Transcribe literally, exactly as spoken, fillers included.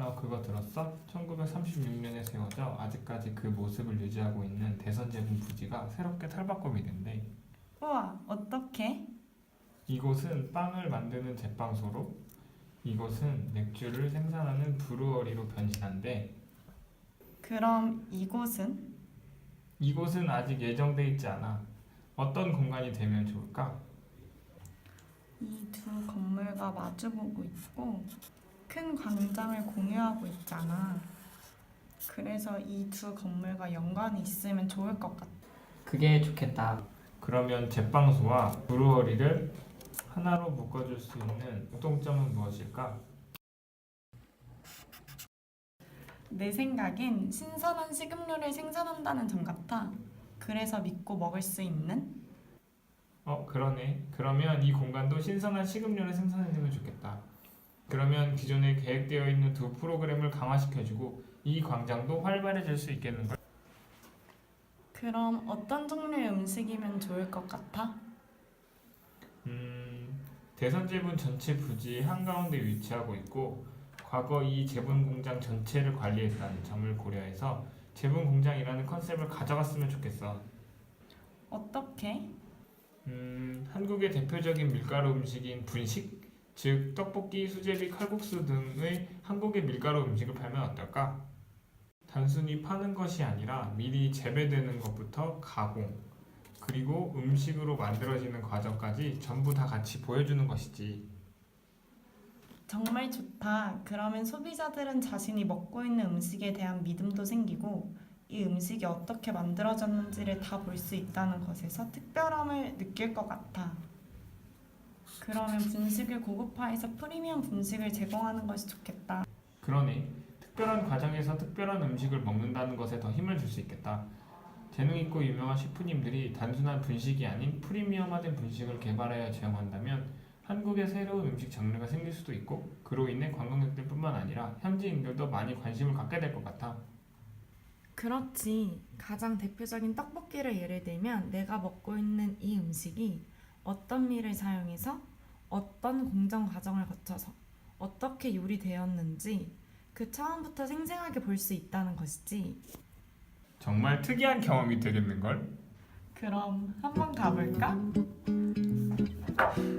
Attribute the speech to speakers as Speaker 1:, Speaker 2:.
Speaker 1: 어, 그거 들었어? 천구백삼십육 년에 세워져 아직까지 그 모습을 유지하고 있는 대선제분 부지가 새롭게 탈바꿈이 된대.
Speaker 2: 우와, 어떡해?
Speaker 1: 이곳은 빵을 만드는 제빵소로, 이곳은 맥주를 생산하는 브루어리로 변신한대.
Speaker 2: 그럼 이곳은?
Speaker 1: 이곳은 아직 예정돼 있지 않아. 어떤 공간이 되면 좋을까?
Speaker 2: 이 두 건물과 마주보고 있고 큰 광장을 공유하고 있잖아. 그래서 이 두 건물과 연관이 있으면 좋을 것 같아.
Speaker 3: 그게 좋겠다.
Speaker 1: 그러면 제빵소와 브루어리를 하나로 묶어줄 수 있는 공통점은 무엇일까?
Speaker 2: 내 생각엔 신선한 식음료를 생산한다는 점 같아. 그래서 믿고 먹을 수 있는?
Speaker 1: 어, 그러네. 그러면 이 공간도 신선한 식음료를 생산해주면 좋겠다. 그러면 기존에 계획되어 있는 두 프로그램을 강화시켜주고 이 광장도 활발해질 수 있겠는걸?
Speaker 2: 그럼 어떤 종류의 음식이면 좋을 것 같아?
Speaker 1: 음, 대선제분 전체 부지 한가운데 위치하고 있고 과거 이 제분 공장 전체를 관리했다는 점을 고려해서 제분 공장이라는 컨셉을 가져갔으면 좋겠어.
Speaker 2: 어떻게?
Speaker 1: 음, 한국의 대표적인 밀가루 음식인 분식, 즉 떡볶이, 수제비, 칼국수 등의 한국의 밀가루 음식을 팔면 어떨까? 단순히 파는 것이 아니라 미리 재배되는 것부터 가공, 그리고 음식으로 만들어지는 과정까지 전부 다 같이 보여주는 것이지.
Speaker 2: 정말 좋다. 그러면 소비자들은 자신이 먹고 있는 음식에 대한 믿음도 생기고 이 음식이 어떻게 만들어졌는지를 다 볼 수 있다는 것에서 특별함을 느낄 것 같아. 그러면 분식을 고급화해서 프리미엄 분식을 제공하는 것이 좋겠다.
Speaker 1: 그러네. 특별한 과정에서 특별한 음식을 먹는다는 것에 더 힘을 줄 수 있겠다. 재능 있고 유명한 셰프님들이 단순한 분식이 아닌 프리미엄화된 분식을 개발하여 제공한다면 한국의 새로운 음식 장르가 생길 수도 있고 그로 인해 관광객들뿐만 아니라 현지인들도 많이 관심을 갖게 될 것 같아.
Speaker 4: 그렇지. 가장 대표적인 떡볶이를 예를 들면 내가 먹고 있는 이 음식이 어떤 밀을 사용해서 어떤 공정 과정을 거쳐서 어떻게 요리되었는지 그 처음부터 생생하게 볼 수 있다는 것이지.
Speaker 1: 정말 특이한 경험이 되겠는걸?
Speaker 2: 그럼 한번 가볼까?